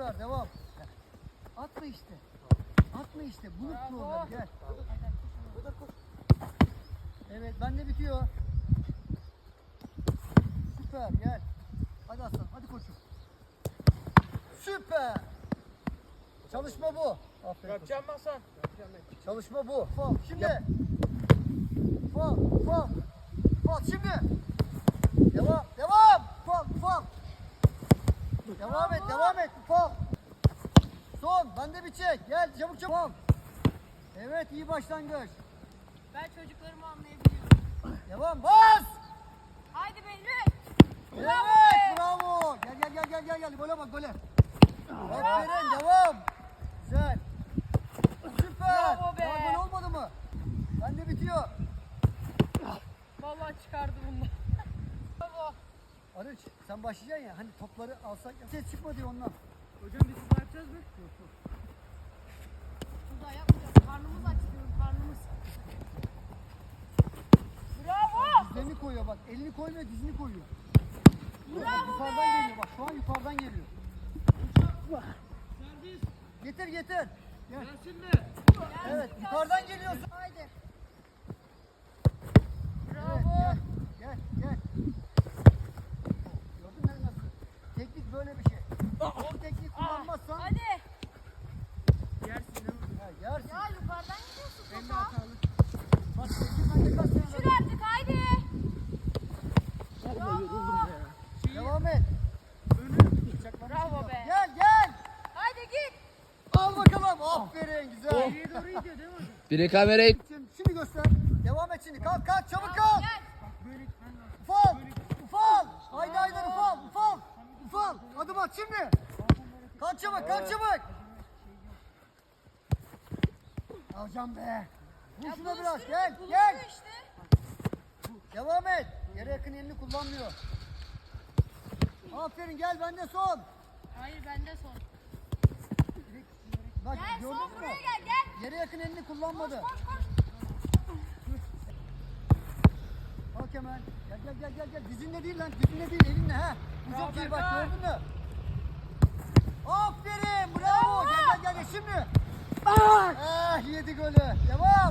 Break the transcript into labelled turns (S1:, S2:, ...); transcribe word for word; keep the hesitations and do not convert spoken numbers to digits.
S1: Süper, devam. Atma işte. Atma işte. Bulut problem. Gel. Evet, bende bitiyor. Süper, gel. Hadi aslan, hadi koçum. Süper. Çalışma bu. Aferin.
S2: Yapacağım mı Hasan?
S1: Çalışma bu. Fal, şimdi. Fal, fal. Fal, şimdi. Devam, devam. Fal, fal. Devam et, devam et. Fal. Son, bende bir çek. Gel, çabuk çabuk. Fal. Evet, iyi başlangıç.
S3: Ben çocuklarımı anlayabiliyorum.
S1: Devam, bas.
S3: Haydi Behlül.
S1: Evet, bravo. Gel gel gel gel gel gel. Gole bak, gole. Aferin, devam. Güzel. Süper.
S3: Bravo be.
S1: Daha gol olmadı mı? Bende bitiyor.
S3: Vallahi çıkardı bunu. Bravo.
S1: Arıç, sen başlayacaksın ya. Hani topları alsak ya. Ses çıkma diyor ondan.
S2: Hocam biz bu yapacağız mı?
S3: Burada yapmayacağız. Karnımız aç diyorum, karnımız. Bravo.
S1: Dizlerini koyuyor bak. Elini koymuyor, dizini koyuyor.
S3: Bravo
S1: Yukarıdan
S3: be.
S1: geliyor bak. Şu an yukarıdan geliyor.
S2: Servis.
S1: Getir getir. Gel.
S2: Gelsin mi?
S1: Evet, yukarıdan geliyorsun.
S3: Haydi.
S1: Evet,
S3: Bravo.
S1: gel, gel, gel. Gördün mü nasıl? Teknik böyle bir şey. O teknik kullanmazsan
S3: Hadi.
S2: Yersin değil mi?
S1: ya yersin.
S3: Ya yukarıdan gidiyorsun
S2: Ben de
S3: topa.
S2: hatalı.
S1: Bak teknik bende kaç tane
S3: Sür
S1: var?
S3: artık haydi.
S2: Vallahi yoruldum ya. Şeyi,
S1: Devam et.
S2: önü.
S3: Bravo be.
S1: Gel gel.
S3: Haydi git.
S1: Al bakalım. Aferin güzel.
S2: Geriye doğru gidiyor değil mi hocam?
S4: Biri kamerayı
S1: Şimdi, şimdi göster. Devam et şimdi. Kalk kalk çabuk kalk.
S3: Gel.
S2: Böyle gitmen lazım.
S1: Ufal. Ufal. Haydi haydi ufal. Ufal. Ufal. Adım at şimdi. Kalk çabuk kalk çabuk. Alacağım be. Vur
S3: Ya
S1: şuna
S3: buluşturun,
S1: biraz. Gel
S3: buluştur
S1: gel.
S3: işte.
S1: Devam et. Yere yakın elini kullanmıyor. Aferin gel bende son.
S3: Hayır bende son.
S1: Bak
S3: Gel
S1: gördün
S3: son
S1: mü?
S3: buraya gel gel.
S1: Yere yakın elini kullanmadı.
S3: Koş koş.
S1: Bak hemen. Gel gel gel gel gel. Dizinle değil lan. Dizinle değil elinle ha. Bu çok iyi bak gördün mü? Aferin bravo. Gel gel gel gel şimdi. Ah yedi golü. Devam.